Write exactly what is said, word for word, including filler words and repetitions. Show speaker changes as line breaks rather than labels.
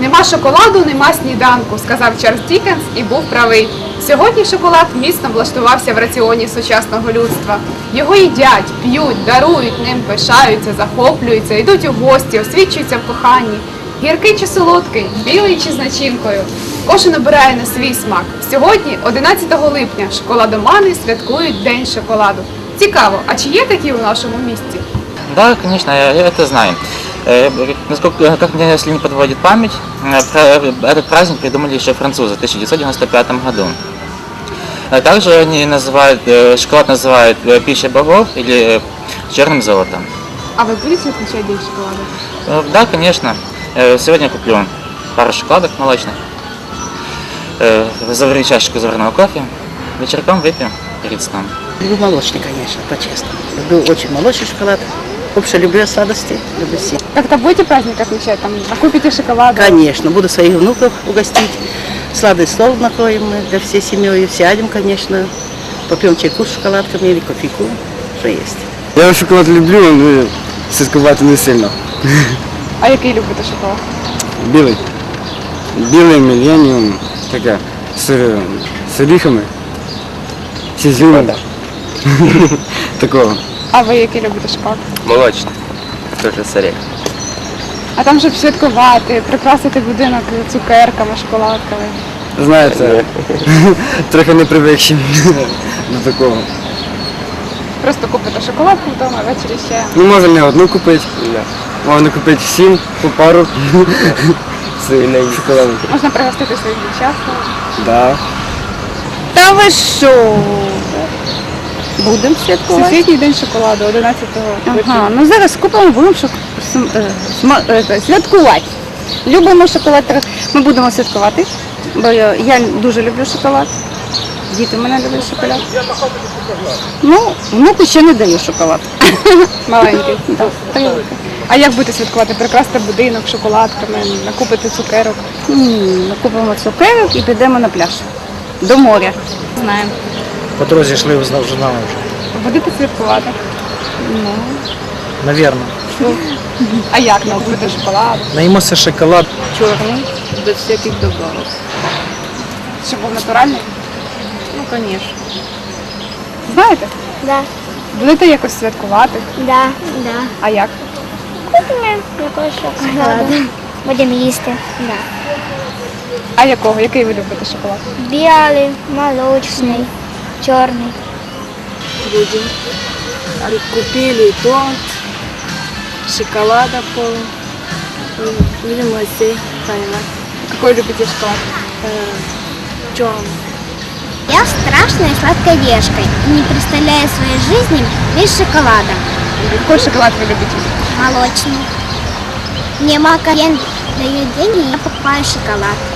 Нема шоколаду, нема сніданку, сказав Чарльз Діккенс і був правий. Сьогодні шоколад міцно влаштувався в раціоні сучасного людства. Його їдять, п'ють, дарують, ним пишаються, захоплюються, йдуть у гості, освічуються в коханні. Гіркий чи солодкий, білий чи з начинкою. Кожен обирає на свій смак. Сьогодні, одинадцятого липня, шоколадомани святкують День шоколаду. Цікаво, а чи є такі у нашому місті?
Да, конечно, я это знаю. Насколько, как мне, если не подводит память, этот праздник придумали еще французы в тысяча девятьсот девяносто пятом году. Также они называют, шоколад называют пищей богов или черным золотом.
А вы будете отмечать День шоколада?
Да, конечно. Сегодня куплю пару шоколадок молочных, заварю чашечку заварного кофе, вечерком выпьем перед сном.
Люблю молочный, конечно, по-честному. Люблю очень молочный шоколад. Вообще люблю сладости, люблю все.
Как-то будете праздник отмечать? Там, накупите шоколада?
Конечно, буду своих внуков угостить. Сладкий стол накроем мы для всей семьи. Сядем, конечно, попьем чайку с шоколадками или кофейку, что есть.
Я шоколад люблю, але святкувати не сильно.
А який любите шоколад?
Білий. Білий, міленіум, таке, з, з оріхами, з ізюмом. Такого.
А ви який любите шоколад?
Молочний, теж з орехом.
А там, щоб святкувати, прикрасити будинок цукерками, шоколадками.
Знаєте, трохи не привикші до такого.
Просто купите шоколадку вдома, ввечері ще.
Ну, можна не одну купити, можна купити всім по пару шоколаду.
Можна пригостити своїх дівчат.
Да.
Та ви що? Будемо святкувати.
Всесвітній день шоколаду, одинадцятого липня.
Ага, ну зараз купимо, будемо шок... см- е, сма- е, святкувати. Любимо шоколад. Ми будемо святкувати, бо я, я дуже люблю шоколад. Діти в мене люблять шоколад. Ну, внуку ще не даю шоколад.
Маленький.
Да, привикла.
А як будете святкувати? Прикрасити будинок шоколадками, накупити цукерок?
М, Накупимо цукерок і підемо на пляж. До моря.
Знаємо.
По дорозі йшли, вже знали вже.
Будете святкувати?
Навірно.
А як накупити шоколад?
Наїмося шоколад.
Чорний, без всяких добавок.
Щоб був натуральний?
Ну, звісно.
Знаєте?
Да,
Будете якось святкувати?
да, да.
А як?
Купимо якогось шоколаду. Будемо їсти. Да.
А якого? Який ви любите шоколад?
Білий, молочний, чорний.
Будем. Купили торт, шоколада пол. Будем гостей принимать.
Какой любите шоколад?
Черный.
Я страшная сладкой девушкой и не представляю своей жизни без шоколада.
Какой шоколад вы любите?
Молочный. Мне мама дает деньги, и я покупаю шоколад.